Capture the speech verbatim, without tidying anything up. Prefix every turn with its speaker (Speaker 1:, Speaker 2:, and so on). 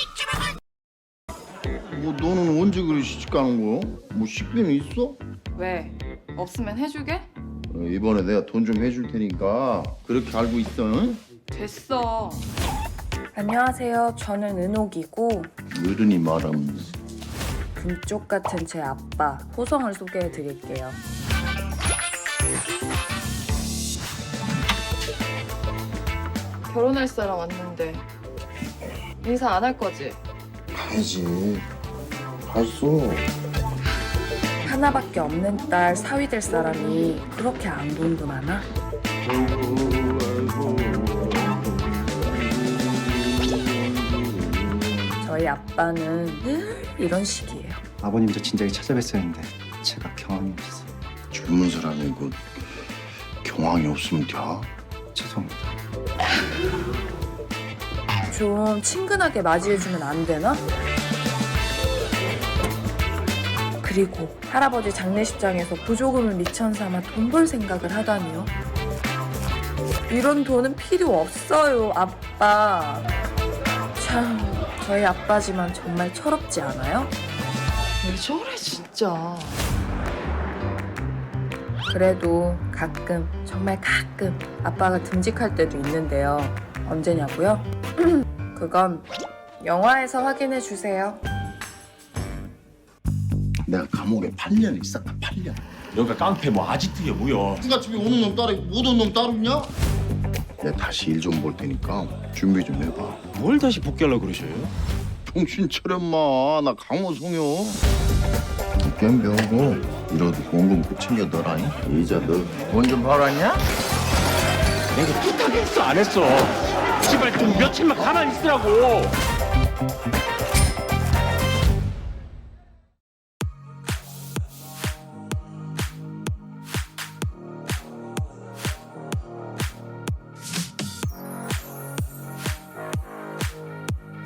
Speaker 1: 뭐 너는 언제 그리 시집 가는 거야? 뭐 식비는 있어?
Speaker 2: 왜? 없으면 해주게?
Speaker 1: 어, 이번에 내가 돈 좀 해줄 테니까 그렇게 알고 있어. 응?
Speaker 2: 됐어.
Speaker 3: 안녕하세요. 저는 은옥이고
Speaker 1: 어른이 말하면
Speaker 3: 금쪽 같은 제 아빠 호성을 소개해 드릴게요.
Speaker 2: 결혼할 사람 왔는데 인사 안 할 거지?
Speaker 1: 가야지. 갔어.
Speaker 3: 하나밖에 없는 딸 사위 될 사람이 그렇게 안 돈도 많아? 저희 아빠는 늘 이런 식이에요.
Speaker 4: 아버님 저 진작에 찾아뵀어야 했는데 제가 경황이 없어서
Speaker 1: 젊은 사람이 그 경황이 없으면 돼.
Speaker 4: 죄송합니다.
Speaker 3: 좀 친근하게 맞이해주면 안 되나? 그리고 할아버지 장례식장에서 보조금을 미천 삼아 돈 벌 생각을 하다니요. 이런 돈은 필요 없어요, 아빠. 참, 저희 아빠지만 정말 철없지 않아요?
Speaker 2: 왜 저래 진짜.
Speaker 3: 그래도 가끔, 정말 가끔 아빠가 듬직할 때도 있는데요. 언제냐고요? 그건 영화에서 확인해 주세요.
Speaker 1: 내가 감옥에 팔 년 있었다. 팔 년.
Speaker 5: 여기가 깡패 뭐 아지트야 뭐야.
Speaker 1: 누가 집에 오는 놈 따로 있고 못 오는 놈 따로 있냐? 내가 다시 일 좀 볼 테니까 준비 좀 해봐.
Speaker 5: 뭘 다시 복귀하려고 그러셔요?
Speaker 1: 정신 차려 마. 나 강호성이요. 게임 배우고 이러도 공금 꼭 챙겨 넣어라니. 이자 너 돈 좀 벌었냐?
Speaker 5: 내가 부탁했어 안 했어? 제발 좀 며칠만 가만히 있으라고.